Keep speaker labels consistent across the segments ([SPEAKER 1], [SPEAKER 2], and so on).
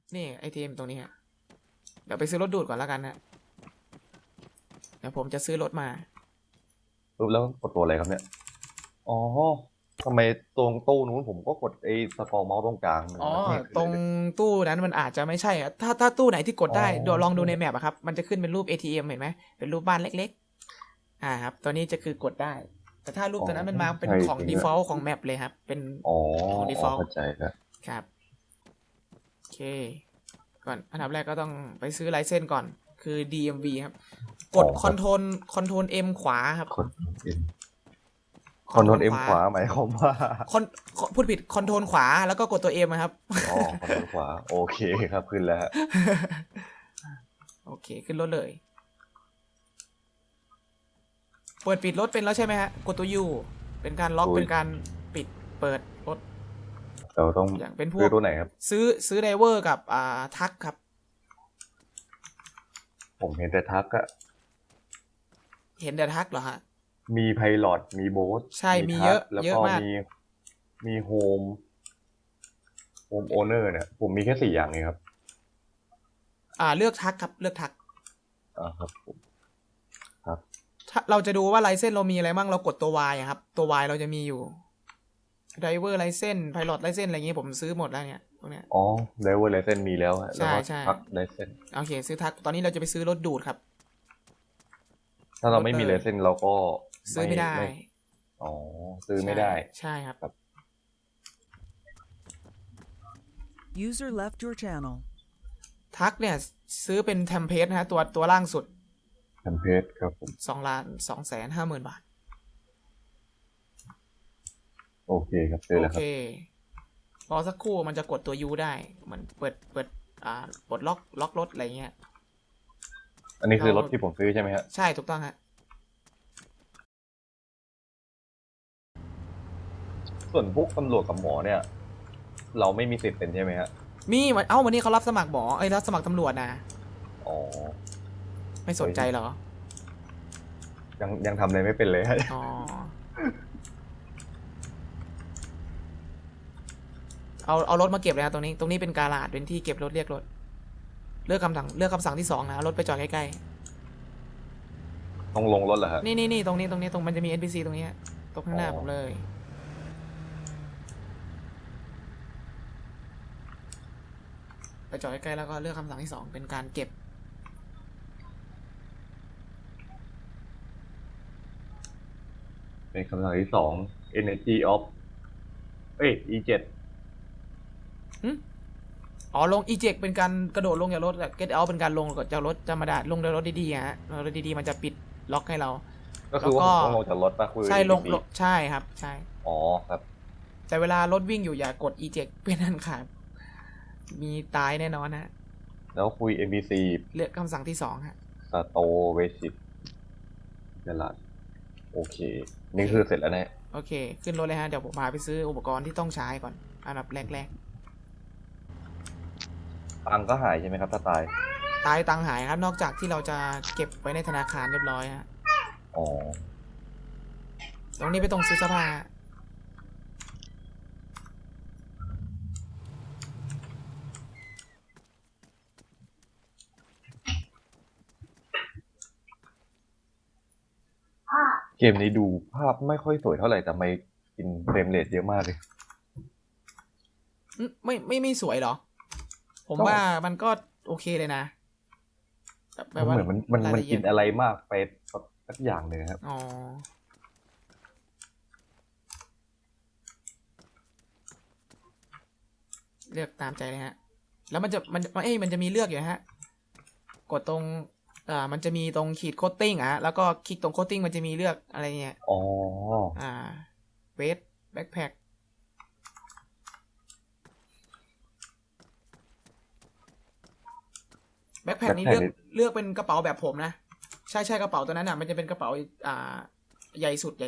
[SPEAKER 1] นี่ไอทีเอ็มตรงนี้ฮะเดี๋ยวไปซื้อรถดูดก่อนแล้วกันนะเดี๋ยวผมจะซื้อรถมา
[SPEAKER 2] ปุ๊บแล้วกดตัวอะไรครับเนี่ยอ๋อทำไมตรงตู้นู้นผมก็กดไอ้สกอร์เมาส์ตรงกลางมัน
[SPEAKER 1] อ๋อ
[SPEAKER 2] ไม่ขึ้น
[SPEAKER 1] ตรง
[SPEAKER 2] เลย
[SPEAKER 1] ตู้นั้นมันอาจจะไม่ใช่อะถ้าตู้ไหนที่กดได้
[SPEAKER 2] อ๋อ
[SPEAKER 1] เดี๋ยวลองดูในแมปอะครับมันจะขึ้นเป็นรูป ATM เห็นไหมเป็นรูปบ้านเล็กๆครับตัวนี้จะคือกดได้แต่ถ้ารูปตัวนั้นมันมาเป็นของ default ของแมปเลยครับเป็น
[SPEAKER 2] อ๋อ
[SPEAKER 1] ของ default
[SPEAKER 2] เข้าใจแล้ว
[SPEAKER 1] ครับโอเคก่อนอันดับแรกก็ต้องไปซื้อไลเซนส์ก่อนคือ DMV ครับกด Ctrl M ขวาครับ
[SPEAKER 2] คอนโทรลเอ็มขวาหมายความว่า
[SPEAKER 1] พูดผิด Ctrl ขวาแล้วก็กดตัว M ครับ
[SPEAKER 2] อ๋อคอนโทรลขวาโอเคครับขึ้นแล้วฮะ
[SPEAKER 1] โอเคขึ้นรถเลยเปิดปิดรถเป็นแล้วใช่ไหมฮะกดตัว U เป็นการล็อกเป็นการปิดเปิดรถ
[SPEAKER 2] เราต้อง
[SPEAKER 1] อย่างเป็นพว
[SPEAKER 2] ซื้
[SPEAKER 1] ก
[SPEAKER 2] อตัวไหนครับ
[SPEAKER 1] ซื้อไดเวอร์กับทักครับ
[SPEAKER 2] ผมเห็นแต่ทักอะ
[SPEAKER 1] เห็นแต่ทักเหรอฮะ
[SPEAKER 2] มีไพลอตมีโบ๊ท
[SPEAKER 1] ใช่มี
[SPEAKER 2] ทัก
[SPEAKER 1] เยอะ
[SPEAKER 2] แล้ว
[SPEAKER 1] เยอะ
[SPEAKER 2] ก็
[SPEAKER 1] มาก
[SPEAKER 2] มีโฮมโอเนอร์เนี่ยผมมีแค่4อย่างเองครับ
[SPEAKER 1] เลือกทักครับเลือกทัก
[SPEAKER 2] ครับผม
[SPEAKER 1] ถ้าเราจะดูว่าไลเซนส์เรามีอะไรบ้างเรากดตัว Y อะครับตัว Y เราจะมีอยู่ไดเวอร์ไลเซนส์ไพลอตไลเซนส์อะไรอย่างงี้ผมซื้อหมดแล้วเนี่ยพวกเนี้ย
[SPEAKER 2] อ๋อไดเวอร์ไลเซนมีแล้วฮะแล้วก็
[SPEAKER 1] ใช่
[SPEAKER 2] ทักไลเซน
[SPEAKER 1] โอเคซื้อทักตอนนี้เราจะไปซื้อรถดูดครับ
[SPEAKER 2] ถ้าเราไม่มีไลเซนเราก็
[SPEAKER 1] ซื้อไม่ได้
[SPEAKER 2] อ๋อซื้อไม่ได้
[SPEAKER 1] ใช่ครับ
[SPEAKER 3] User left your channel.
[SPEAKER 1] ทักเนี่ยซื้อเป็นเทมเพลตนะฮะตัวล่างสุด
[SPEAKER 2] แคมเพจครับผม
[SPEAKER 1] 2,250,000 บาท
[SPEAKER 2] โอเคครับเจอ
[SPEAKER 1] โอ
[SPEAKER 2] แล้วค
[SPEAKER 1] เครับ รอสักครู่มันจะกดตัว U ได้มันเปิดปลดล็อกรถอะไรเงี้ย
[SPEAKER 2] อันนี้คือรถที่ผมซื้อใช่ไหมฮะ
[SPEAKER 1] ใช่ถูกต้องฮะ
[SPEAKER 2] ส่วนพวกตำรวจกับหมอเนี่ย เราไม่มีสิทธิ์เป็นใช่ไหมฮะ
[SPEAKER 1] มีวันนี้เขารับสมัครหมอรับสมัครตำรวจนะ
[SPEAKER 2] อ๋อ
[SPEAKER 1] ไม่สนใจเหรอ
[SPEAKER 2] ยังทำอะไรไม่เป็นเลยฮะ
[SPEAKER 1] อ๋อเอารถมาเก็บเลยนะตรงนี้เป็นกาลาดเป็นที่เก็บรถเรียกรถเลือกคำสั่งที่ 2นะเอารถไปจอดใกล้
[SPEAKER 2] ต้องลงรถเหรอฮะ
[SPEAKER 1] ๆนี่ตรงนี้ตรงมันจะมี NPC ตรงนี้ฮะตรงข้างหน้า
[SPEAKER 2] อ๋อ
[SPEAKER 1] ผมเลยไปจอดใกล้ๆแล้วก็เลือกคำสั่งที่ 2เป็นการเก็บ
[SPEAKER 2] เป็นคำสั่งที่2 Energy of E7
[SPEAKER 1] ลง eject เป็นการกระโดดลงจากรถ get out เป็นการลงจากรถธรรมดาลงจากรถดีๆฮะรถดีๆมันจะปิดล็อกให้เรา
[SPEAKER 2] ก็คือว่าผมต้องลงจากรถป่ะคุย
[SPEAKER 1] ใช่ลงใช่ครับใช่
[SPEAKER 2] อ๋อครับ
[SPEAKER 1] แต่เวลารถวิ่งอยู่อย่ากด eject เป็นอันขาดมีตายแน่นอนฮะ
[SPEAKER 2] แล้วคุย NPC
[SPEAKER 1] เลือกคำสั่งที่ 2ฮะ
[SPEAKER 2] สโตเวสิตตลาดโอเค นี่คือเสร็จแล้วแน่
[SPEAKER 1] โอเค ขึ้นรถเลยฮะเดี๋ยวผมพาไปซื้ออุปกรณ์ที่ต้องใช้ก่อนอันดับแรก
[SPEAKER 2] ตังค์ก็หายใช่ไหมครับถ้าตาย
[SPEAKER 1] ตายตังค์หายครับนอกจากที่เราจะเก็บไว้ในธนาคารเรียบร้อยฮะ
[SPEAKER 2] อ๋อ
[SPEAKER 1] ตรงนี้ไปตรงซื้อเสื้อผ้า
[SPEAKER 2] เกมนี้ดูภาพไม่ค่อยสวยเท่าไหร่แต่ไม่กินเฟรมเรทเยอะมากเลย
[SPEAKER 1] ไม่สวยเหรอ ผม
[SPEAKER 2] ก็
[SPEAKER 1] ว่ามันก็โอเคเลยนะแบบว่า
[SPEAKER 2] เหมือนมัน
[SPEAKER 1] รายละเอี
[SPEAKER 2] กิ
[SPEAKER 1] ยด
[SPEAKER 2] นอะไรมากไปสักอย่างเลยครับ
[SPEAKER 1] อ๋อเลือกตามใจเลยฮะ แล้วมันจะมีเลือกอยู่ฮะ กดตรงมันจะมีตรงขีดโคตติ้งแล้วก็คลิกตรงโคตติ้งมันจะมีเลือกอะไรเงี้ย
[SPEAKER 2] อ๋อ
[SPEAKER 1] เวทแบ็คแพ็คแบ็คแพ็คนี้เลือกเป็นกระเป๋าแบบผมนะ ใช่กระเป๋าตัวนั้นมันจะเป็นกระเป๋าใหญ่สุด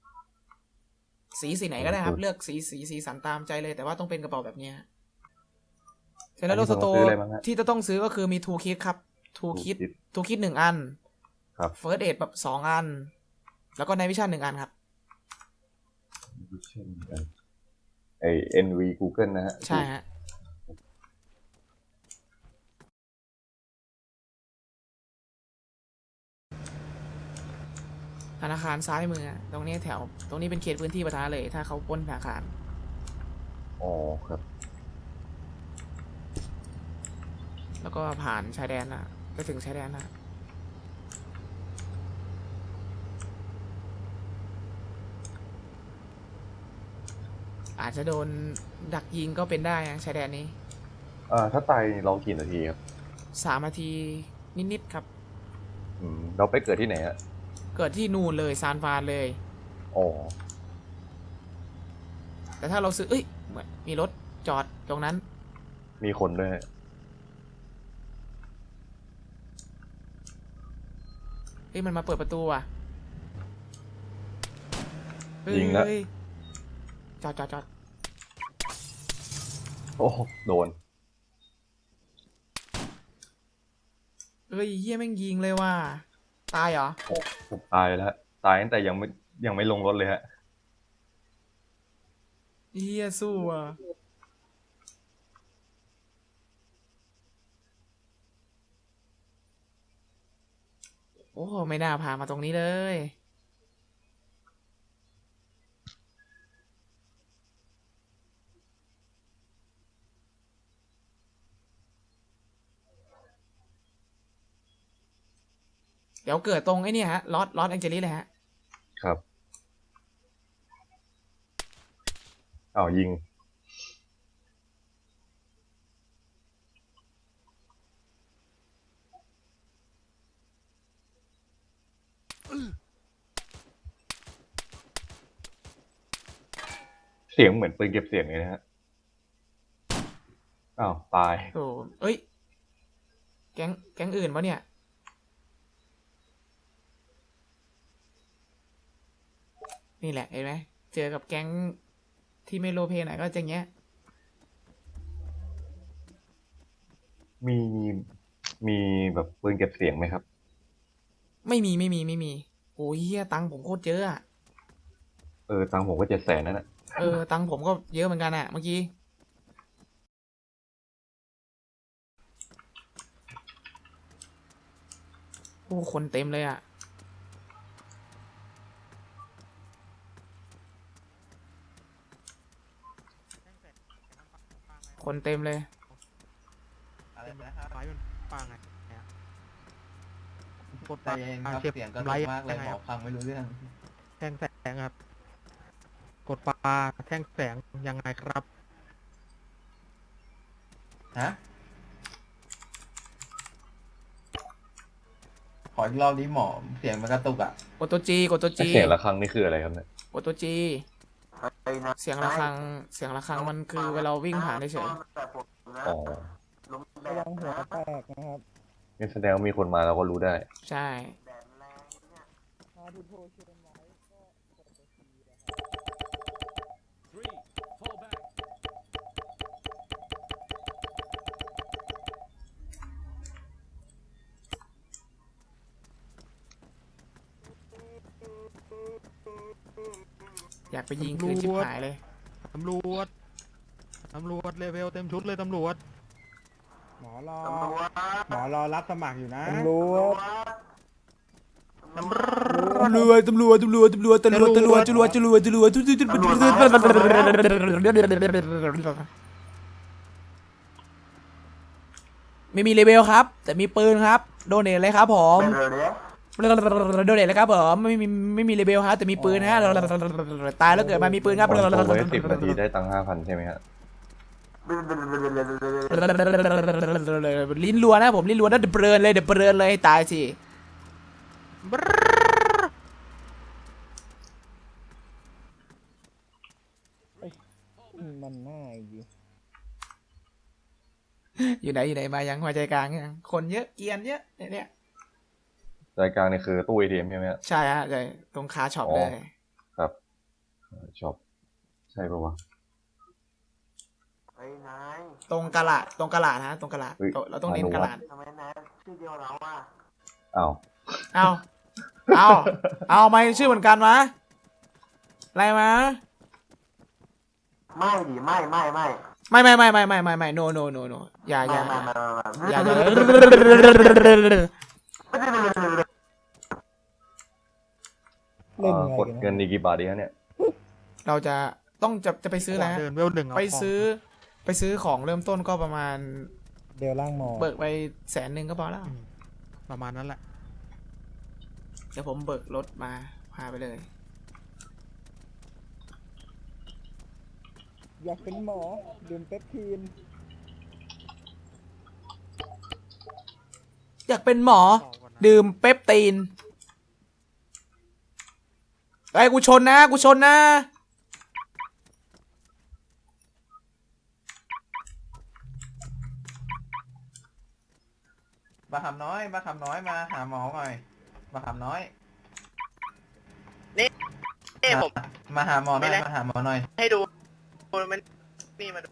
[SPEAKER 1] สีไหนก็ได้ครับ เลือกสีสันตามใจเลยแต่ว่าต้องเป็นกระเป๋าแบบนี้เสร็จแล้วรถสโตร์ที่จะต้องซื้อก็คือมีทูคิดครับทูคิด1 อัน
[SPEAKER 2] ครับ
[SPEAKER 1] เฟิร์สเอดแบบ2 อัน แล้วก็ไนวิชั่น1 อันครับ
[SPEAKER 2] ไอ NV Google นะฮะ
[SPEAKER 1] ใช่ฮะธนาคารซ้ายมืออะตรงนี้แถว ตรงนี้เป็นเขตพื้นที่ปะทะเลย ถ้าเขาปล้นธนาคาร
[SPEAKER 2] อ๋อครับ
[SPEAKER 1] แล้วก็ผ่านชายแดนอ่ะไปถึงชายแดนอ่ะอาจจะโดนดักยิงก็เป็นได้นะชายแดนนี้
[SPEAKER 2] ถ้าตายเรากี่นาทีครับ
[SPEAKER 1] 3 นาทีนิดๆครับ
[SPEAKER 2] เราไปเกิดที่ไหนฮะ
[SPEAKER 1] เกิดที่นู่นเลยซานฟรานเลย
[SPEAKER 2] อ๋อ
[SPEAKER 1] แต่ถ้าเราซื้อเอ้ยเหมือนมีรถจอดตรงนั้น
[SPEAKER 2] มีคนด้วยฮะ
[SPEAKER 1] เฮ้ยมันมาเปิดประตูอ่ะเฮ้
[SPEAKER 2] ยิงแล้ว
[SPEAKER 1] เฮ้ยจอด
[SPEAKER 2] โอ้โดน
[SPEAKER 1] เฮ้ยเฮียแม่งยิงเลยว่ะตายเหรอ
[SPEAKER 2] โอ้ผมตายแล้วตายตั้งแต่ยังไม่ลงรถเลยฮะ
[SPEAKER 1] เฮียสู้อ่ะโอ้ไม่น่าพามาตรงนี้เลย เดี๋ยวเกิดตรงไอ้นี่ฮะลอสแองเจลิสเลยฮะ
[SPEAKER 2] ครับอ้าวยิง เสียงเหมือนปืนเก็บเสียงเลยนะฮะ อ้าวตาย
[SPEAKER 1] โอ้เอ้ย แก๊งอื่นปะเนี่ย นี่แหละเห็นไหมเจอกับแก๊งที่ไม่โลเพหน่อยก็จะเงี้ย
[SPEAKER 2] มีแบบปืนเก็บเสียงไหมครับ
[SPEAKER 1] ไม่มีโอ้ยเฮียตังค์ผมโคตรเยอะอะ
[SPEAKER 2] ตังค์ผมก็700,000นั่นแหละ
[SPEAKER 1] ตังค์ผมก็เยอะเหมือนกันอะเมื่อกี้ โอ้คนเต็มเลยอะคนเต็มเลย
[SPEAKER 4] อะไรนะครับ
[SPEAKER 5] ไฟมันปังไงเนี่ยกด
[SPEAKER 4] ใจเย็นครับ
[SPEAKER 5] เก็บ
[SPEAKER 4] เสียงกระ
[SPEAKER 5] ไร
[SPEAKER 4] ตุกมากเลย
[SPEAKER 5] ยังไง
[SPEAKER 4] หม
[SPEAKER 5] ค
[SPEAKER 4] อ
[SPEAKER 5] รับ
[SPEAKER 4] ฟังไม่รู้เรื่อง
[SPEAKER 5] แท่งแสงครับ กดปลาแท่งแสงยังไงครับ
[SPEAKER 4] ฮะ ขออีกรอบนี้หมอ เสียงมันกระตุกอ่ะ
[SPEAKER 1] กดตัวจีกดตัวจี
[SPEAKER 2] เสียงระฆังนี่คืออะไรครับเนี่ย
[SPEAKER 1] กดตัวจีเสียงระฆังมันคือเวลาวิ่งผ่านเฉย
[SPEAKER 2] อ๋อ
[SPEAKER 6] ระวังหัวแตกนะครับ
[SPEAKER 2] นี่แสดงว่ามีคนมาเราก็รู้ได้
[SPEAKER 1] ๆใช่
[SPEAKER 6] ถ้าทุกโทรเชิญไว้ก็กดตัวทีนะครับ
[SPEAKER 1] อยากไปยิงคืนชิบหายเลย
[SPEAKER 5] ตำรวจเลเวลเต็มชุดเลยตำรวจ
[SPEAKER 6] หมอรอรับสมัครอยู่นะ
[SPEAKER 5] ตำรวจ
[SPEAKER 1] ตำรวจไม่มีเลเวลครับ แต่มีปืนครับโดเนทเลยครับผมโดเนทเลยครับผมไม่มีเลเวลครับแต่มีปืนฮะตายแล้วเกิดมามีปืนครับ
[SPEAKER 2] คนโทรไว้10 นาทีได้ตังค์5,000ใช่ไหมฮะ
[SPEAKER 1] ลิ้นรัวนะผมลิ้นรัวนะเดือบเบิร์นเลยตายสิ
[SPEAKER 6] มันง่ายดี
[SPEAKER 1] อยู่ไหนมายังหัวใจกลางยังคนเยอะเกียนเยอะเนี่ย
[SPEAKER 2] ใจกลางนี่คือตู้ ATM ใช่ไหมฮะ
[SPEAKER 1] ใช่ฮะใช่ตรงคาช็อปเลย
[SPEAKER 2] ครับช็อปใช่ปะวะ
[SPEAKER 7] เฮ้ยนาย
[SPEAKER 1] ตรงกะลาดฮะตรงกะลาด
[SPEAKER 2] เฮ้ย
[SPEAKER 1] เราต้องเน้นกะลาด
[SPEAKER 7] ทำไมนายชื่อเดียวเราอ่ะ
[SPEAKER 2] อ้าว
[SPEAKER 1] เอาไม่ชื่อเหมือนกันมะอะไรมะ
[SPEAKER 7] ไม่ดิไม่
[SPEAKER 1] ไม่โนอย่า
[SPEAKER 7] ไม่
[SPEAKER 1] อย่า
[SPEAKER 6] เล่นไง
[SPEAKER 2] กด
[SPEAKER 6] กัน
[SPEAKER 2] เงิน
[SPEAKER 6] นะ
[SPEAKER 2] ดีกี่บาทดีฮะเนี่ย
[SPEAKER 1] เราจะไปซื้ออะไรฮะ
[SPEAKER 5] เดินเวลหนึ่ง
[SPEAKER 1] ไปซื้อของเริ่มต้นก็ประมาณ
[SPEAKER 6] เดี๋ยวล่างหมอ
[SPEAKER 1] เบิกไป100,000ก็พอแล้ว
[SPEAKER 5] ประมาณนั้นแหละ
[SPEAKER 1] เดี๋ยวผมเบิกรถมาพาไปเลย
[SPEAKER 6] อยากเป็นหมอดื่มเปปทีน
[SPEAKER 1] อยากเป็นหมอ
[SPEAKER 5] ต่อก่อนนะ
[SPEAKER 1] ดื่มเปปตีนไอ้ยกูชนนะ
[SPEAKER 4] บาคำน้อยมาหาหมอหน่อยบาคำน้อย
[SPEAKER 8] นี่ผม
[SPEAKER 4] มาหาหมอหน่อย
[SPEAKER 8] ไม่ได้
[SPEAKER 4] มาหาหมอหน่อย
[SPEAKER 8] ให้ดูมันนี่มา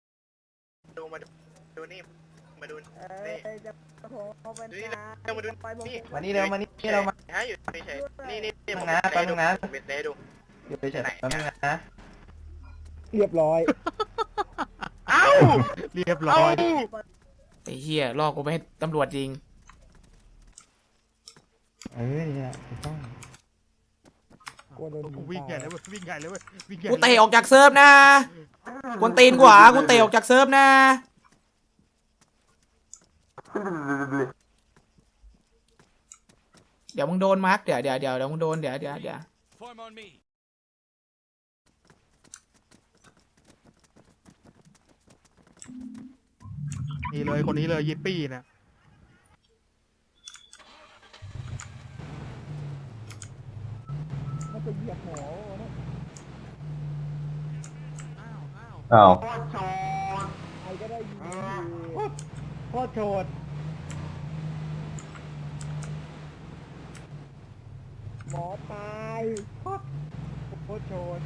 [SPEAKER 8] ดูนี่มาดูนี่
[SPEAKER 6] จะโทรเป็น
[SPEAKER 8] ดูนี่เรามาดูนี่
[SPEAKER 4] มานี่เร็วมานี่เรามา
[SPEAKER 8] ฮะอยู่เฉยๆนี่ผม
[SPEAKER 4] นะแป๊บนึงนะ
[SPEAKER 8] ผมให้ดู
[SPEAKER 4] อยู่เฉยๆแป๊บนึงนะ
[SPEAKER 6] เรียบร้อย
[SPEAKER 8] เอ้า
[SPEAKER 5] เรียบร้อย
[SPEAKER 1] ไอ้เหี้ยลอกกูไปให้ตำรวจยิง
[SPEAKER 4] นี่แหละถูกต้อง
[SPEAKER 6] กลัวโดนยิง
[SPEAKER 5] วิ่งใหญ่
[SPEAKER 6] ตาย
[SPEAKER 5] เลยเว้ยวิ่งใหญ่เลยเว้ยวิ่งใหญ่
[SPEAKER 1] กูเตะออกจากเซิร์ฟนะกวนตีนกว่ากูเตะออกจากเซิร์ฟนะเดี๋ยวมึงโดนมาร์กเดี๋ยวมึงโดนเดี๋ยว
[SPEAKER 5] นี่เลยคนนี้เลยยิปปี้นะ
[SPEAKER 6] มันจะเหยียบหมอนะ
[SPEAKER 2] อ้าว
[SPEAKER 6] ใครก็ได้ยิงทีโคตรโฉดหมอตายโคตรโฉด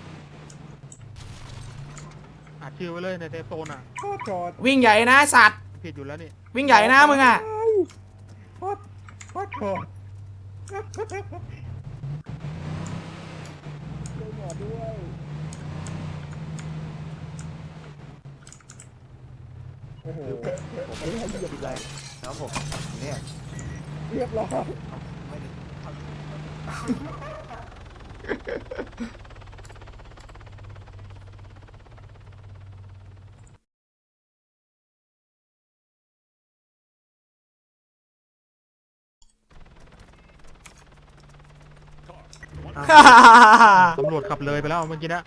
[SPEAKER 5] อัดชื่อไว้เลยในเซฟโซนอ่ะ
[SPEAKER 6] โคตรโฉด
[SPEAKER 1] วิ่งใหญ่นะสัตว์
[SPEAKER 5] ผิดอยู่แล้วนี่
[SPEAKER 1] วิ่งใหญ่นะมึงอ่ะ
[SPEAKER 6] โคตรโฉดช่วยหมอด้วยโอ้โหผมไม่ให้เหยียบเลย
[SPEAKER 4] ครับผมเนี่ย
[SPEAKER 6] เรียบร้อย
[SPEAKER 5] ตำรวจขับเลยไปแล้วเมื่อกี้นะ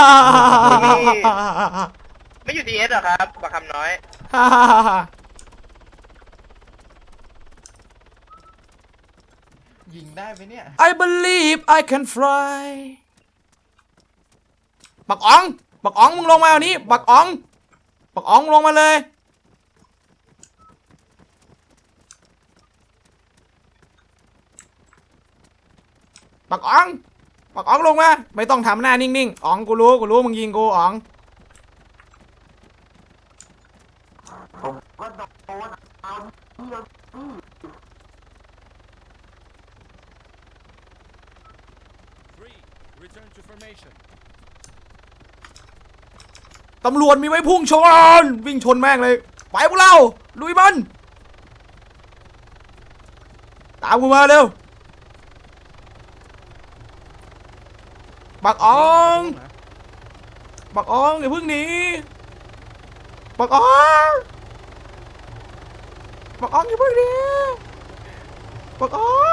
[SPEAKER 8] ไม่อยู่ดีเอสหรอครับบาคำน้อย
[SPEAKER 4] ยิงได้ไหมเนี่ย
[SPEAKER 1] I believe I can fly บักอ๋องมึงลงมาเอานี้บักอ๋องลงมาเลยบักอ๋องลงมาไม่ต้องทำหน้านิ่งๆอ๋องกูรู้มึงยิงกูอ๋อง
[SPEAKER 7] ผมก็โดนเอาเดียวนี่
[SPEAKER 1] ตำรวจมีไว้พุ่งชนวิ่งชนแม่งเลยไปพวกเราลุยมันตามกูมาเร็วบักอ๋องอย่าเพิ่งหนีบักอ๋องอย่าเพิ่งหนีบักอ๋อง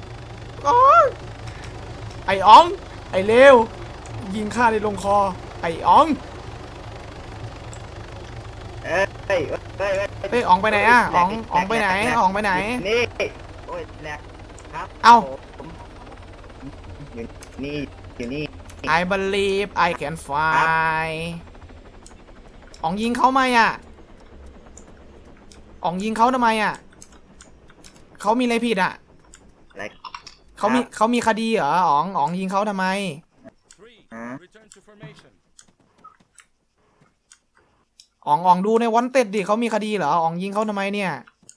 [SPEAKER 1] ไอ้อ๋องไอ้เลวยิงข้าในลงคอไอ้อ๋องเฮ้ยอ๋องไปไหนอะอ๋องไปไหนอ๋องไปไหน
[SPEAKER 8] นี่โอ้ยแหลกครับ
[SPEAKER 1] เอ้า
[SPEAKER 8] นี่อยู่นี่
[SPEAKER 1] I believe I can fly อ๋องยิงเขาไหมอ่ะอ๋องยิงเขาทำไมอ่ะเขามีอะไรผิดอ่ะ
[SPEAKER 8] อะไร
[SPEAKER 1] เขามีคดีเหรออ๋องยิงเขาทำไมอ๋องดูในวันเต็ดดิเขามีคดีเหรออ๋องยิงเขาทำไมเนี่ย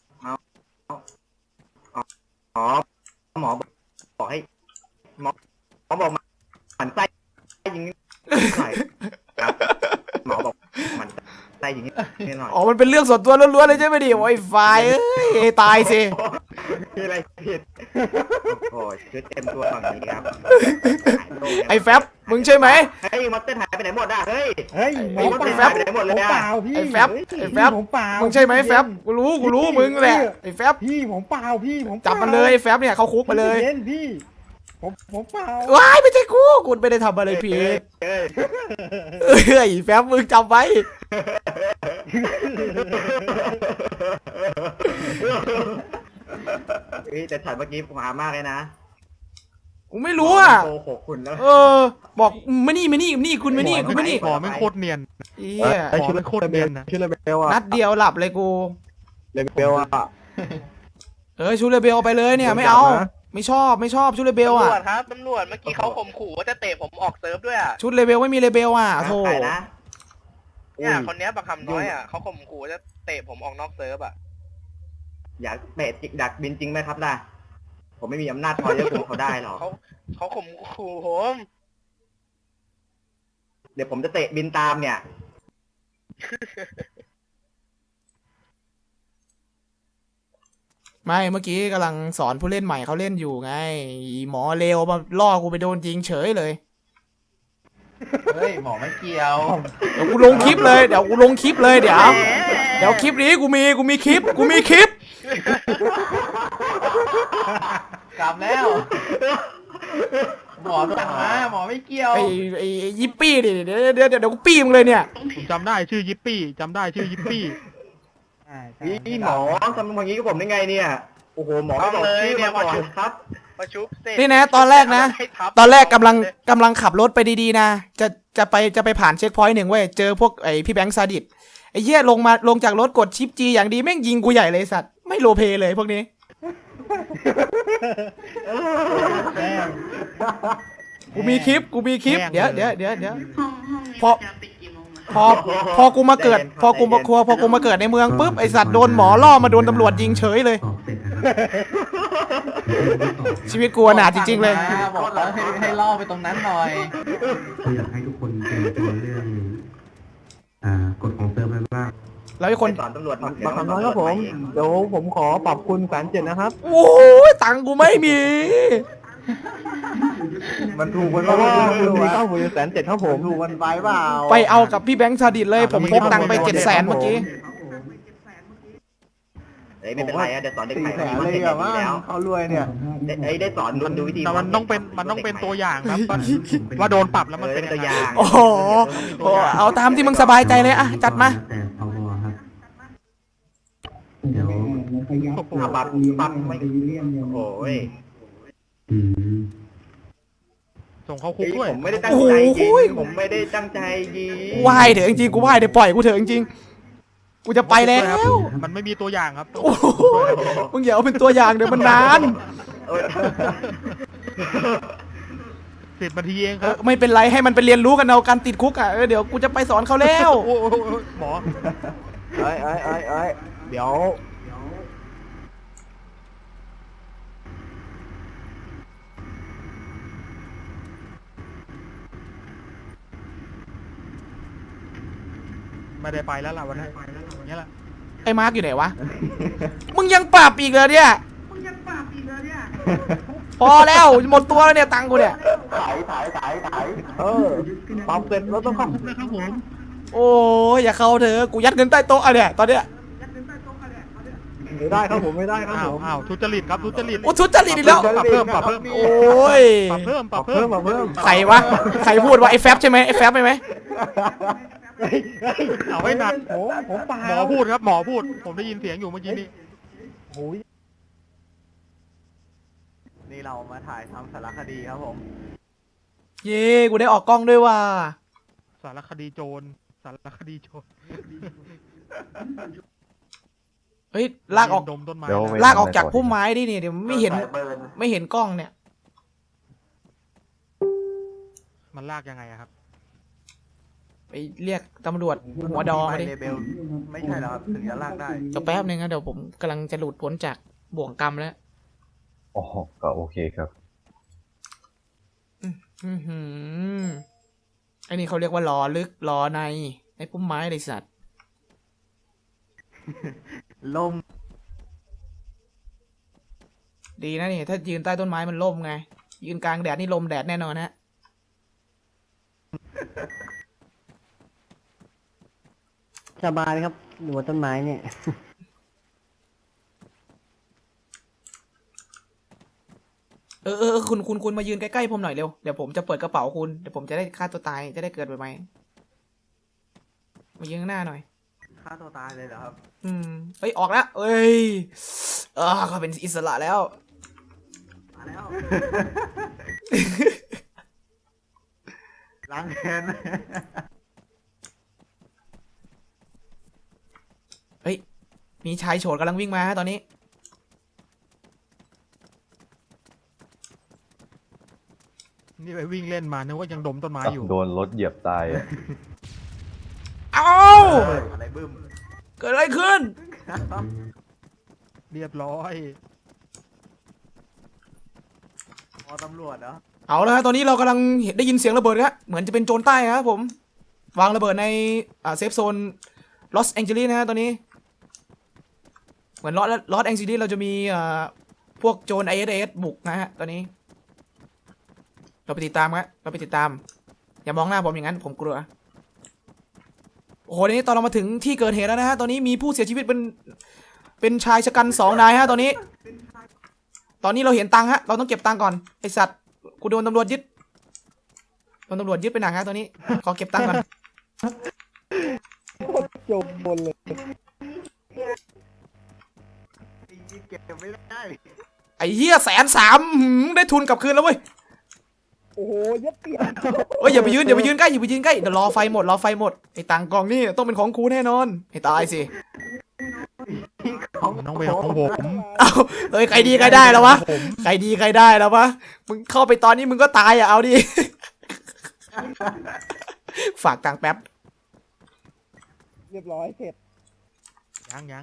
[SPEAKER 8] อ๋อหมอบอกให้หมอบอกมันไส้ยิงหน่อยครับหมอบอกมันไส้ยิงนิดหน่อย
[SPEAKER 1] อ๋อมันเป็นเรื่องส่วนตัวล้วนๆเลยใช่ไหมดิโอ้ยไฟเอ้ยตายสิ
[SPEAKER 8] มีอะไรผิดโอ้ยชุดเต็มตัวฝั่งนี้ครับ
[SPEAKER 1] ไอ้แฟบมึงใช่ไหม
[SPEAKER 8] เฮ้ยมอสเตอร์หายไปไหนหมดอ่ะเฮ้ย
[SPEAKER 6] เฮ้ยหมอ
[SPEAKER 8] มอส
[SPEAKER 6] เป
[SPEAKER 8] เตอร์
[SPEAKER 6] ล่า
[SPEAKER 8] หายไปไหนหมดเลย
[SPEAKER 6] ผม
[SPEAKER 8] อ่ะ
[SPEAKER 6] เปล่าพี่
[SPEAKER 1] ไอ้แฟบไอ้แฟบ
[SPEAKER 6] ผมเปล่า
[SPEAKER 1] มึงใช่ไหมแฟบกูรู้มึงแหละไอ้แฟบ
[SPEAKER 6] พี่ผมเปล่าพี่ผมเป
[SPEAKER 1] จั
[SPEAKER 6] ล่า
[SPEAKER 1] บมันเลยไอ้แฟบเนี่ยเขาคุกมาเลย
[SPEAKER 6] เย็นพี่ผมเปล่า
[SPEAKER 1] ว้ายไม่ใช่กูไม่ได้ทำอะไรผิด
[SPEAKER 8] เฮ้ย
[SPEAKER 1] เอ้ยแฟบมึงจำไว้
[SPEAKER 8] เฮ้ยแต่ช็อตเมื่อกี้ผมหามากเลยนะ
[SPEAKER 1] กูไม่รู้อ่ะ
[SPEAKER 8] โกหกคุณแล้ว
[SPEAKER 1] บอกมานี่คุณมานี่คุณมานี่
[SPEAKER 5] หมอไม่งโคตรเนียน
[SPEAKER 1] เอี้ย
[SPEAKER 5] หมอไม่งโคตรเนียนนะ
[SPEAKER 6] ชื่อเลเบลอะ
[SPEAKER 1] นัดเดียวหลับเลยกู
[SPEAKER 6] เลเบลอะ
[SPEAKER 1] ชูเลเบลเอาไปเลยเนี่ยไม่เอา
[SPEAKER 6] ผมจับนะ
[SPEAKER 1] ไม่ชอบชุดเลเบล
[SPEAKER 9] ตำร
[SPEAKER 1] อ่ะ
[SPEAKER 9] วจครับตำรวจเมื่อกี้เขาข่มขู่ว่าจะเตะผมออกเซิร์ฟด้วยอ่ะ
[SPEAKER 1] ชุดเลเบลไม่มีเลเบลอ่ะโธ่
[SPEAKER 8] ใครนะ
[SPEAKER 9] เนี่ยคนเนี้ยประคำน้อยอ่ะเขาข่มขู่ว่าจะเตะผมออกนอกเซิร์ฟอ่ะ
[SPEAKER 8] อยากเตะดักบินจริงไหมครับล่ะ ผมไม่มีอำนาจพอจะคุมเขาได้หรอก
[SPEAKER 9] เขาข่มขู่ผม
[SPEAKER 8] เดี๋ยวผมจะเตะบินตามเนี่ย
[SPEAKER 1] ไม่เมื่อกี้กำลังสอนผู้เล่นใหม่เขาเล่นอยู่ไงอีหมอเลวมาล่อกูไปโดนยิงเฉยเลย
[SPEAKER 4] เฮ้ยหมอไม่เกี่ยว
[SPEAKER 1] เดี๋ยวกูลงคลิปเลยเดี๋ยวคลิปนี้กูมีคลิป
[SPEAKER 4] กลับแล้ว หมอสั่งมาหมอไม่เกี่ยว
[SPEAKER 1] ไอ้ยิปปี้ดิเดี๋ยวกูปี้มึงเลยเนี่ย
[SPEAKER 5] ผมจำได้ชื่อยิปปี้จำได้ชื่อยิปปี้
[SPEAKER 8] พี่หมอทำอย่างนี้กับผมได้ไงเนี่ย โอ้โหหมอไม่บอกชื่อมาก่อนครับ
[SPEAKER 9] ประชุบเสร็จ
[SPEAKER 1] นี่นะตอนแรกนะ
[SPEAKER 9] ให้ทับ
[SPEAKER 1] ตอนแรกกำลังขับรถไปดีๆนะจะไปผ่านเช็คพอยต์หนึ่งเว้ยเจอพวกไอ้พี่แบงค์ซาดิสไอ้เหี้ยลงจากรถกดชิปจีอย่างดีแม่งยิงกูใหญ่เลยสัตว์ไม่โลเพเลยพวกนี้กูมีคลิปเดี๋ยวพอกูมาเกิดพอกูมาเกิดในเมืองปุ๊บไอสัตว์โดนหมอล่อมาโดนตำรวจยิงเฉยเลย ชีวิตกูอนาถจริงๆเลย
[SPEAKER 4] บอกแล้วให้ล่อไปตรงนั้นหน่อย
[SPEAKER 10] ก็อยากให้ทุกคนเตรียมตัวเรื่องกฎของเซิร์ฟไว้บ้าง
[SPEAKER 1] แล้วไอ้คน
[SPEAKER 8] สอนตำรวจ
[SPEAKER 6] บักคำน้อยครับผม เดี๋ยวผมขอปรับคุณ1,700นะครับ
[SPEAKER 1] โอ้ยตังค์กูไม่มี
[SPEAKER 6] มันถูกมันเพราะว่าคุณมีเข้าผมอยู่1,700ครับผมถูกมันไปเปล่า
[SPEAKER 1] ไปเอากับพี่แบงค์ซาดิสเลยผมพกตังค์ไป700,000เมื่อกี้
[SPEAKER 8] เฮ้ยไม่เป็นไรอะเดี๋ยวสอนเด็ก
[SPEAKER 6] 4
[SPEAKER 8] ใหม่
[SPEAKER 6] แสน
[SPEAKER 8] มัน
[SPEAKER 6] เลย
[SPEAKER 8] เด็ก
[SPEAKER 6] อะ
[SPEAKER 8] ดี
[SPEAKER 6] ว่า
[SPEAKER 8] แล้ว
[SPEAKER 6] เขารวยเนี่ย
[SPEAKER 8] ได้สอนดูวิธี
[SPEAKER 5] แต่มันต้องเป็นตัวอย่างครับว่าโดนปรับแล้วมันเป็น
[SPEAKER 8] ตัว
[SPEAKER 5] ยัง
[SPEAKER 8] อ
[SPEAKER 5] ไง
[SPEAKER 8] ย่าง
[SPEAKER 1] โอ้โหเอาตามที่มึงสบายใจเลยอะจัดมา
[SPEAKER 10] แต่พอครับ เดี๋ยว
[SPEAKER 8] ปรับไม่โอ้ย
[SPEAKER 10] อืม
[SPEAKER 5] ส่งเข้าคุกด้วย
[SPEAKER 8] ผมไม่ได้ตั้งใจยิงผมไม่ได้ตั้งใจยิง
[SPEAKER 1] ไหวเถอะจริงๆกูไหวเดี๋ยวปล่อยกูเถอะจริงๆกูจะไปแล้ว
[SPEAKER 5] มันไม่มีตัวอย่างครับ
[SPEAKER 1] โอ้โหมึงอย่าเอาเป็นตัวอย่างเดี๋ยวมันนาน
[SPEAKER 5] 10 นาทีเองครับ
[SPEAKER 1] ไม่เป็นไรให้มันไปเรียนรู้กันเอาการติดคุกอ่ะเดี๋ยวกูจะไปสอนเขาแล้ว
[SPEAKER 5] โอ้โหหมอ
[SPEAKER 6] เอ้ยเดี๋ยว
[SPEAKER 5] ไม่ได้ไปแล้วล่ะวันนี้อย่างเงี้ยแหละ
[SPEAKER 1] ไอ้มาร์กอยู่ไหนวะ มึงยังปรับอีกเหรอเนี่ย พอแล้วหมดตัวแล้วเนี่ยตังค์กูเนี่ย
[SPEAKER 6] ปรับเสร็จแล้วต้องเข้า
[SPEAKER 1] โอ้ยอย่าเข้าเถอะกูยัดเงินใต้โต๊ะอะเนี่ยตอนเนี้ย
[SPEAKER 6] ไม่ได้ครับผมไม่ได้ครับ
[SPEAKER 5] อ้า
[SPEAKER 6] ผ
[SPEAKER 5] ว
[SPEAKER 6] ม
[SPEAKER 5] อ้าวทุจริตครับทุจริต
[SPEAKER 1] โอ้ทุจริตอีกแล้ว
[SPEAKER 5] ปรับเพิ่ม
[SPEAKER 1] โอ้ย
[SPEAKER 5] ปรับเพิ่ม
[SPEAKER 6] ปรับเพิ่ม
[SPEAKER 1] ใครวะใครพูดว่าไอ้แฟบใช่ไหมไอ้แฟบใช่ไหม
[SPEAKER 5] เอาให้หนัก
[SPEAKER 6] ผมเปล่า
[SPEAKER 5] หมอพูดครับหมอพูด ผมได้ยินเสียงอยู่เมื่อกี้นี้
[SPEAKER 6] โอ้ยนี่เรามาถ่ายทำสารคดีครับผม
[SPEAKER 1] เย้กูได้ออกกล้องด้วยว่ะ
[SPEAKER 5] สารคดีโจรสารคดีโจร
[SPEAKER 1] เฮ้ยลากออก
[SPEAKER 5] ดมต้นไม้
[SPEAKER 2] เดี๋ยว
[SPEAKER 5] นะ
[SPEAKER 1] ลากออกจากพุ่มไม้ดิเนี่ยเดี๋ยวไม่เห็นกล้องเนี่ย
[SPEAKER 5] มันลากยังไงอะครับ
[SPEAKER 1] ไปเรียกตำรวจหัวดอมาดิ
[SPEAKER 6] เลเบลไม่ใช่แล้วครับถึงจะลากได้
[SPEAKER 1] เดี๋ยวแป๊บนึงนะเดี๋ยวผมกำลังจะหลุดพ้นจากบ่วงกรรมแล้ว
[SPEAKER 2] อ๋อก็โอเคครับ
[SPEAKER 1] อื้อหือไอ้นี่เขาเรียกว่าล้อลึกล้อในไอ้พุ่มไม้เลยสัตว์
[SPEAKER 6] ลม
[SPEAKER 1] ดีนะนี่ถ้ายืนใต้ต้นไม้มันล่มไง ยืนกลางแดดนี่ลมแดดแน่นอนฮะ
[SPEAKER 6] สบายครับอยู่บนต้นไม้เนี่ย
[SPEAKER 1] คุณมายืนใกล้ๆผมหน่อยเร็ว เดี๋ยวผมจะเปิดกระเป๋าคุณ เดี๋ยวผมจะได้ฆ่าตัวตาย จะได้เกิดใหม่ๆมายืนข้างหน้าหน่อย
[SPEAKER 8] ฆ่าตัวตายเลยเหรอครับ
[SPEAKER 1] เฮ้ย ออกแล้วเอ้ยเขาเป็นอิสระแล้ว
[SPEAKER 8] มาแล้ว ล้างแค้น
[SPEAKER 1] เฮ้ย มีชายโฉดกำลังวิ่งมาฮะตอนนี้
[SPEAKER 5] นี่ไปวิ่งเล่นมานึกว่ายังดมต้นไม้อยู่
[SPEAKER 2] โดนรถเหยียบตายอะ
[SPEAKER 1] เอ้า
[SPEAKER 8] อะไรบึ้ม
[SPEAKER 1] เกิดอะไรขึ้น
[SPEAKER 5] เรียบร้อย
[SPEAKER 8] พอตำรวจเหรอ
[SPEAKER 1] เอาละฮะตอนนี้เรากำลังได้ยินเสียงระเบิดครับเหมือนจะเป็นโจรใต้ครับผม วางระเบิดในเซฟโซนลอสแองเจลิสนะฮะตอนนี้ เหมือนลอสแองเจลิสเราจะมีพวกโจร ISS บุกนะฮะตอนนี้ เราไปติดตามครับเราไปติดตาม อย่ามองหน้าผมอย่างนั้นผมกลัว โอ้โหนี้ตอนเรามาถึงที่เกิดเหตุแล้วนะฮะตอนนี้มีผู้เสียชีวิตเป็นชายชะกัน2 นายฮะตอนนี้เราเห็นตังค์ฮะเราต้องเก็บตังค์ก่อนไอสัตว์กูโดนตำรวจยึดไปหนักฮะตอนนี้ขอเก็บตังค์ก่อน
[SPEAKER 6] จบบนเลย
[SPEAKER 8] เก็บไม่ได้
[SPEAKER 1] ไอ้เหี้ย130,000ได้ทุนกลับคืนแล้วเว้ย
[SPEAKER 6] โอ้โหยัดเปียก
[SPEAKER 1] เอ้ยอย่าไปยืนใกล้อย่าไปยืนใกล้เดี๋ยวรอไฟหมดไอ้ตังค์กล่องนี่ต้องเป็นของกูแน่นอนให้ตายสิ
[SPEAKER 5] น้องเวลของผม
[SPEAKER 1] เอ้าเอ้ยใครดีใครได้แล้ววะใครดีใครได้แล้ววะมึงเข้าไปตอนนี้มึงก็ตายอ่ะเอาดิ ฝากตังค์แป๊บ
[SPEAKER 6] เรียบร้อยเสร็จ
[SPEAKER 5] ยัง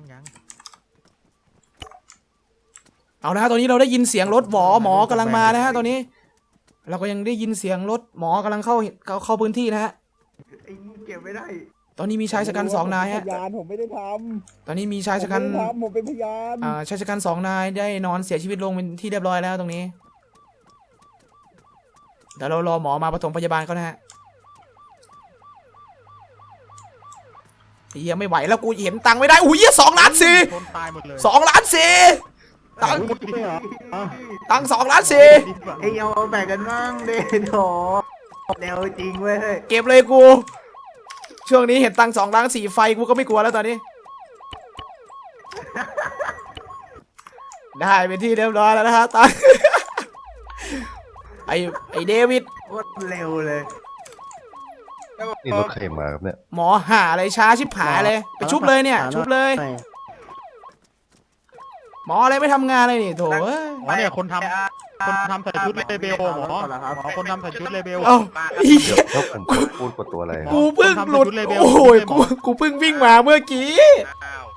[SPEAKER 1] เอานะฮะตอนนี้เราได้ยินเสียงรถหมอกำลังมานะฮะตอนนี้เราก็ยังได้ยินเสียงรถหมอกำลังเข้าพื้นที่นะฮะ
[SPEAKER 8] ไอ้นี่เก็บไม่ได้
[SPEAKER 1] ตอนนี้มีชายชะกัน2 นายฮะ
[SPEAKER 6] พยานผมไม่ได้ท
[SPEAKER 1] ตอนนี้มีชาย
[SPEAKER 6] ำ
[SPEAKER 1] ชะกัน
[SPEAKER 6] ผมไม่ได้ทำผมเป็นพยาน
[SPEAKER 1] ชายชะกัน2 นายได้นอนเสียชีวิตลงเป็นที่เรียบร้อยแล้วตรงนี้เดี๋ยวเรารอหมอมาปฐมพยาบาลเขานะฮะเฮียไม่ไหวแล้วกูเห็นตังค์ไม่ได้อุ้ย2 ล้าน 4
[SPEAKER 5] คนตายหมดเลย
[SPEAKER 1] 2 ล้าน 4ตังค์
[SPEAKER 6] ไม่เหรอ
[SPEAKER 1] ตังค์2 ล้าน
[SPEAKER 8] ไอ้เอาแบ่งกันบ้างเด้โถเร็วจริงเว้ย
[SPEAKER 1] 4เก็บเลยกูช่วงนี้เห็นตังค์2 ล้าน 4ไฟกูก็ไม่กลัวแล้วตอนนี้ ได้เป็นที่เรียบร้อยแล้วนะฮะตังค์ ไอเดวิด
[SPEAKER 8] โคตรเร็วเลย
[SPEAKER 2] นี่รถใครมาครับเนี่ย
[SPEAKER 1] หมอหาอะไรช้าชิบหายเลยไปชุบเลยเนี่ยชุบเลย หมออะไรไม่ทำงานเลยนี่โถเอ้ย
[SPEAKER 5] หมอเนี่ยคนทำใส่ชุดเลเบลหมอคนทำใส่ชุดเลเบล
[SPEAKER 1] เอ้า
[SPEAKER 2] เดี๋ยวถ้าผมพูดกดตัวอะไรครับ
[SPEAKER 1] กูเพิ่งหลุดโอ้โหกูเพิ่งวิ่งมาเมื่อกี้
[SPEAKER 9] อ้าว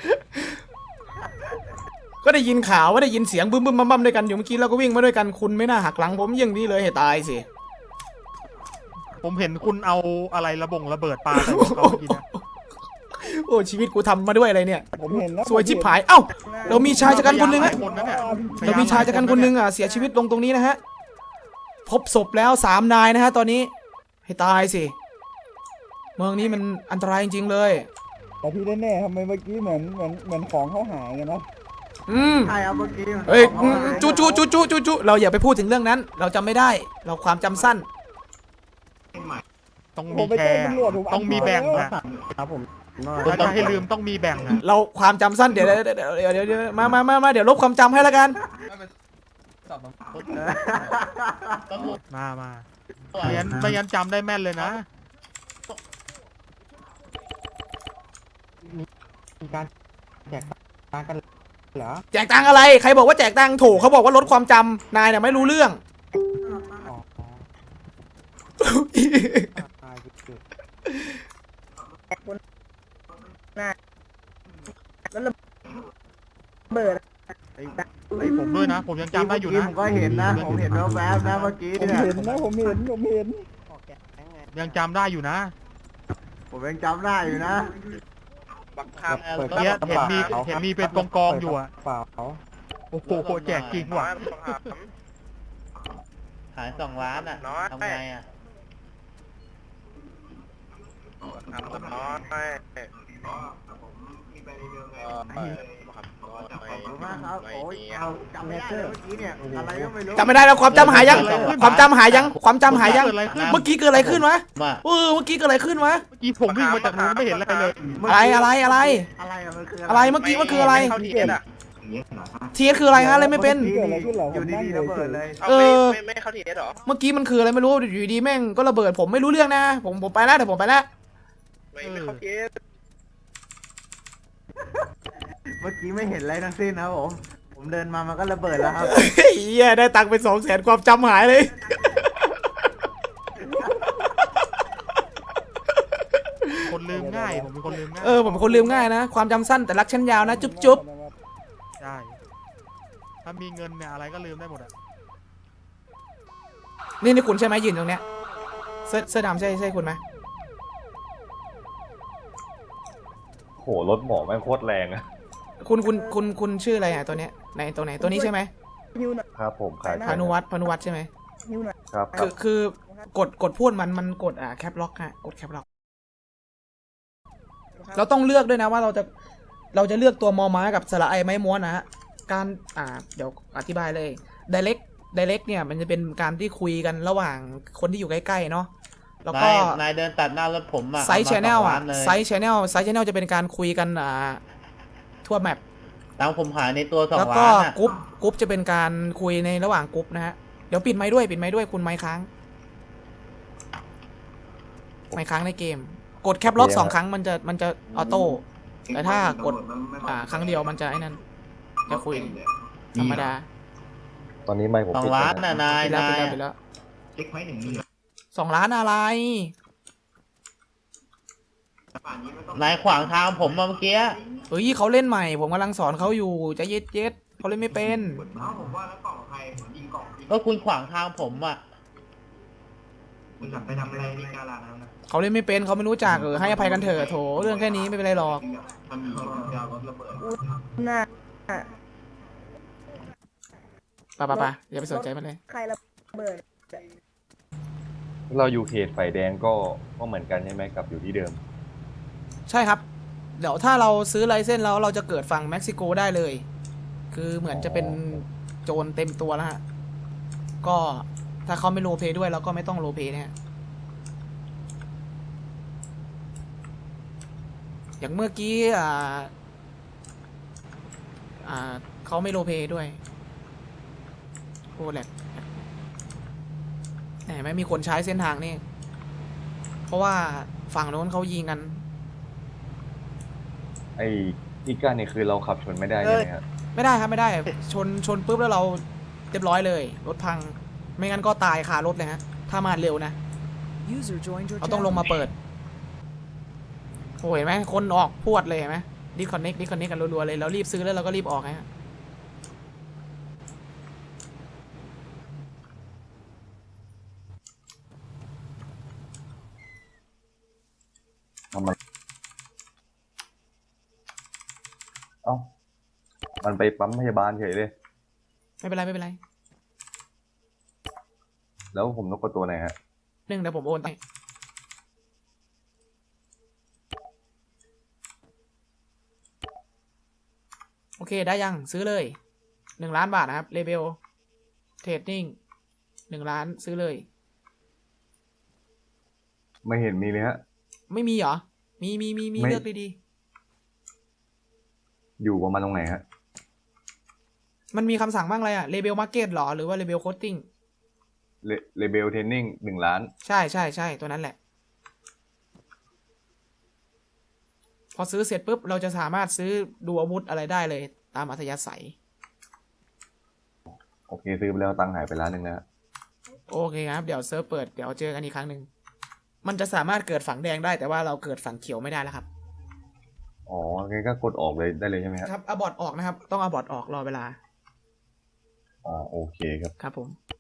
[SPEAKER 1] ก็ได้ยินข่าวว่าได้ยินเสียงบึ้มบั้มด้วยกันอยู่เมื่อกี้เราก็วิ่งมาด้วยกันคุณไม่น่าหักหลังผมอย่างนี้เลยให้ตายสิ
[SPEAKER 5] ผมเห็นคุณเอาอะไรระเบิดปลาใส่หัวเขาเมื่อกี้นะ
[SPEAKER 1] โอ้ชีวิตกูทำมาด้วยอะไรเนี่ย
[SPEAKER 6] ผมเห็นนะ
[SPEAKER 1] สวยชิบหายเอ้าเรามีชายชะกันคนหนึ่ง
[SPEAKER 5] ห
[SPEAKER 1] ฮะ
[SPEAKER 5] ลายคนนะเนี่ย
[SPEAKER 1] เรามีชายชะกันคนหนึ่งเสียชีวิตลงตรงนี้นะฮะพบศพแล้ว3 นายนะฮะตอนนี้ให้ตายสิเมืองนี้มันอันตรายจริงๆเลย
[SPEAKER 6] แต่ที่แน่ๆทำไมเมื่อกี้เหมือนของเขาหายกันนะ
[SPEAKER 8] ใช่เอาเมื่อกี้
[SPEAKER 1] เฮ้ยจูเราอย่าไปพูดถึงเรื่องนั้น เราจำไม่ได้เราความจำสั้น
[SPEAKER 5] ต้อง
[SPEAKER 6] ผ
[SPEAKER 5] มี
[SPEAKER 6] มไป
[SPEAKER 5] แช
[SPEAKER 6] แจ้ง
[SPEAKER 5] ร์
[SPEAKER 6] ตำรวจผม
[SPEAKER 5] ต้องมีแบ่งนะ
[SPEAKER 6] ครับผม
[SPEAKER 5] ถ้าจะให้ลืมต้องมีแบ่งนะ
[SPEAKER 1] เราความจำสั้นเดี๋ยวมาเดี๋ยวลบความจำให้แล้วกัน
[SPEAKER 5] มาไม่งั้นจำได้แม่นเลยนะ
[SPEAKER 6] มีการแจกตังค์กันเหรอ
[SPEAKER 1] แจกตังค์อะไรใครบอกว่าแจกตังค์ถูกเขาบอกว่าลดความจำนายเนี่ยไม่รู้เรื่อง
[SPEAKER 6] อ๋อตายจุด
[SPEAKER 5] ไอ้ผมด้วยนะ ผมยังจำได้อยู่นะ
[SPEAKER 8] ผมก็เห็นนะ ผมเห็นแวบๆนะเมื่อกี้
[SPEAKER 6] ผม
[SPEAKER 8] เนี่ย
[SPEAKER 6] เห็นนะผมเห็น
[SPEAKER 5] ยังจำได้อยู่นะ
[SPEAKER 8] ผมยังจำได้อยู่นะ
[SPEAKER 9] บักคำ
[SPEAKER 5] เมื่อกี้เห็นมีเป็นกองอยู่อะ
[SPEAKER 6] เปล่า
[SPEAKER 5] โอ้อ้โหแจกจริงว่ะ
[SPEAKER 4] ขาย2 ล้านอ่ะ
[SPEAKER 9] น้อย
[SPEAKER 4] ทำไงอ่ะ
[SPEAKER 9] ทำกับน้อย
[SPEAKER 6] จำไม่ได้เลยเมื่อกี้เนี่ยอะไรก็ไม่รู้
[SPEAKER 1] จำไม่ได้แล้วความจำหายยัง ความจำหายยัง ความจำหายยัง
[SPEAKER 5] เกิดอะไรขึ้น
[SPEAKER 1] เมื่อกี้เกิดอะไรขึ้นวะ
[SPEAKER 4] ว่า
[SPEAKER 1] เมื่อกี้เกิดอะไรขึ้นวะ
[SPEAKER 5] เมื่อกี้ผมวิ่งมาจากนู้นไม่เห็นอะไรเลย
[SPEAKER 1] อะไร
[SPEAKER 6] อะไรอะมันคือ
[SPEAKER 1] อะไรเมื่อกี้มันคืออะไร
[SPEAKER 9] ม่เข้าทีเอสอ่ะ
[SPEAKER 1] ทีเอสคืออะไรฮะอะไรไม่เป็น
[SPEAKER 6] อยู่ดีๆระเบิดเลย
[SPEAKER 9] เอา
[SPEAKER 1] เออ
[SPEAKER 9] ไม่เข้าทีเอสหรอ
[SPEAKER 1] เมื่อกี้มันคืออะไรไม่รู้อยู่ดีๆแม่งก็ระเบิดผมไม่รู้เรื่องนะผมไปแล้วเดี๋ยวผมไปแล้ว
[SPEAKER 9] ไม่เข้าทีเอส
[SPEAKER 6] เมื่อกี้ไม่เห็นอะไรทั้งสิ้นนะครับผมเดินมามันก็ระเบิดแล้วครับ
[SPEAKER 1] เฮียได้ตังค์ไป200,000ความจำหายเลย
[SPEAKER 5] คนลืมง่าย ผมเป็นคนลืมง่าย
[SPEAKER 1] ผมเป็นคนลืมง่ายนะ ความจำสั้นแต่รักชั้นยาวนะ จุ๊บ
[SPEAKER 5] ใช่ถ้ามีเงินเนี่ยอะไรก็ลืมได้หมดอะ
[SPEAKER 1] นี่คุณใช่ไหมยืนตรงเนี้ยเสื้อดำใช่คุณไหม
[SPEAKER 2] โหรถหมอแม่งโคตรแรงอะ
[SPEAKER 1] คุณชื่ออะไรอ่ะตัวเนี้ยไหนตัวไหนตัวนี้ใช่ไหม
[SPEAKER 2] ครับผมขาย
[SPEAKER 1] พานุวัฒน์ใช่ไหม
[SPEAKER 2] ครับ
[SPEAKER 1] คือกดพูดมันกดแคปล็อกฮะกดแคปล็อกเราต้องเลือกด้วยนะว่าเราจะเลือกตัวมอม้ากับสระไอไม้ม้วนนะฮะการเดี๋ยวอธิบายเลย direct เนี่ยมันจะเป็นการที่คุยกันระหว่างคนที่อยู่ใกล้ๆเนาะแล้วก็
[SPEAKER 4] นายเดินตัดหน้ารถผมอ่ะ
[SPEAKER 1] ไซส์ชแนล
[SPEAKER 4] เอามา2 ล้านเลย
[SPEAKER 1] ไซส์ชแนลจะเป็นการคุยกันทั่วแมป
[SPEAKER 4] แล้วผมหายในตัว
[SPEAKER 1] แล้ว
[SPEAKER 4] 2
[SPEAKER 1] ก็
[SPEAKER 4] ล้านอ่ะ
[SPEAKER 1] กรุ๊ปจะเป็นการคุยในระหว่างกรุ๊ปนะฮะเดี๋ยวปิดไมค์ด้วยคุณไมค์ค้างไมค์ค้างในเกม กดแคปล็อก2 ครั้งมันจะออโต้แต่ถ้ากดครั้งเดียวมันจะไอ้นั่นจะคุยธรรมดา
[SPEAKER 2] ตอนนี้ไม่ผมปิด
[SPEAKER 4] 2 ล้าน
[SPEAKER 2] แล้ว
[SPEAKER 4] น่ะนาย
[SPEAKER 1] ปิดแล้ว
[SPEAKER 4] นาย
[SPEAKER 1] ปิดแล้ว
[SPEAKER 8] เล็กไว้หนึ่งมี
[SPEAKER 1] 2 ล้านอะไร
[SPEAKER 4] นายขวางทางผมมาเมื่อกี้
[SPEAKER 1] เฮ้ยเขาเล่นใหม่ ผมกำลังสอนเขาอยู่จะเย็ดเขาเล่นไม่เป็น
[SPEAKER 8] ผมว่าแล้วกล่องใครผมยิงกล่อง
[SPEAKER 4] ก็คุณขวางทางผมอ่ะ
[SPEAKER 8] คุณไปทำอะไรในกาลานะ
[SPEAKER 1] เขาเล่นไม่เป็นเขาไม่รู้จักให้อภัยกันเถอะโถเรื่องแค่นี้ไม่เป็นไรหรอก
[SPEAKER 8] มันมียาวรถระเบิด
[SPEAKER 6] น่า
[SPEAKER 1] ป่ะอย่าไปสนใจมันเลย
[SPEAKER 6] ใครระเบิด
[SPEAKER 2] เราอยู่เขตไฟแดงก็เหมือนกันใช่ไหมกับอยู่ที่เดิม
[SPEAKER 1] ใช่ครับ เดี๋ยวถ้าเราซื้อไลเซนส์แล้วเราจะเกิดฝั่งเม็กซิโกได้เลย คือเหมือนจะเป็นโจรเต็มตัวแล้วฮะก็ถ้าเขาไม่โรลเพลย์ด้วยเราก็ไม่ต้องโรลเพลย์เนี่ยอย่างเมื่อกี้เขาไม่โรลเพลย์ด้วยโอ้แหลกแหมไม่มีคนใช้เส้นทางนี่เพราะว่าฝั่งโน้นเขายิงกัน
[SPEAKER 2] ไอ้อีกาเนี่ยคือเราขับชนไม่ได้ใช่ไหมครับ
[SPEAKER 1] ไม่ได้ครับไม่ได้ชนปุ๊บแล้วเราเรียบร้อยเลยรถพังไม่งั้นก็ตายคารถเลยฮะถ้ามาเร็วนะ
[SPEAKER 3] User joined your
[SPEAKER 1] เราต้องลง
[SPEAKER 3] channel.
[SPEAKER 1] มาเปิดโอ้ยเห็นไหมคนออกพวดเลยเห็นไหมดิสคอนเน็กกันรัวๆเลยเรารีบซื้อแล้วเราก็รีบออกฮะ
[SPEAKER 2] เอ้ามันไปปั๊มพยาบาลเฉยเลย
[SPEAKER 1] ไม่เป็นไร
[SPEAKER 2] แล้วผมต้องกดตัวไหนฮะ
[SPEAKER 1] เดี๋ยวผมโอนไปโอเคได้ยังซื้อเลย1 ล้านบาทนะครับเลเบลเทรดดิ้ง1 ล้านซื้อเลย
[SPEAKER 2] ไม่เห็นมีเลยฮะ
[SPEAKER 1] ไม่มีเหรอมี
[SPEAKER 2] ไม่
[SPEAKER 1] เลือกดี
[SPEAKER 2] อยู่ประมาณตรงไหนฮะ
[SPEAKER 1] ๆมันมีคำสั่งบ้างอะไรอะเลเบลมาร์เก็ตหรอหรือว่าเลเบลโคตติ้ง
[SPEAKER 2] เลเบลเทรนนิ่ง1 ล้าน
[SPEAKER 1] ใช่ตัวนั้นแหละ พอซื้อเสร็จปุ๊บเราจะสามารถซื้อดูอาวุธอะไรได้เลยตามอัธยาศัย
[SPEAKER 2] โอเคซื้อไปแล้วตังค์หายไป1 ล้านนะฮะ
[SPEAKER 1] โอเคครับเดี๋ยวเซิร์ฟเปิดเดี๋ยวเจอกันอีกครั้งหนึ่งมันจะสามารถเกิดฝั่งแดงได้แต่ว่าเราเกิดฝั่งเขียวไม่ได้แล้วครับ
[SPEAKER 2] อ๋องั้นก็กดออกเลยได้เลยใช่ไหมฮะ
[SPEAKER 1] ครับเอาบอร์ดออกนะครับต้องเอาบอร์ดออกรอเวลา
[SPEAKER 2] อ๋อโอเคครับ
[SPEAKER 1] ครับผม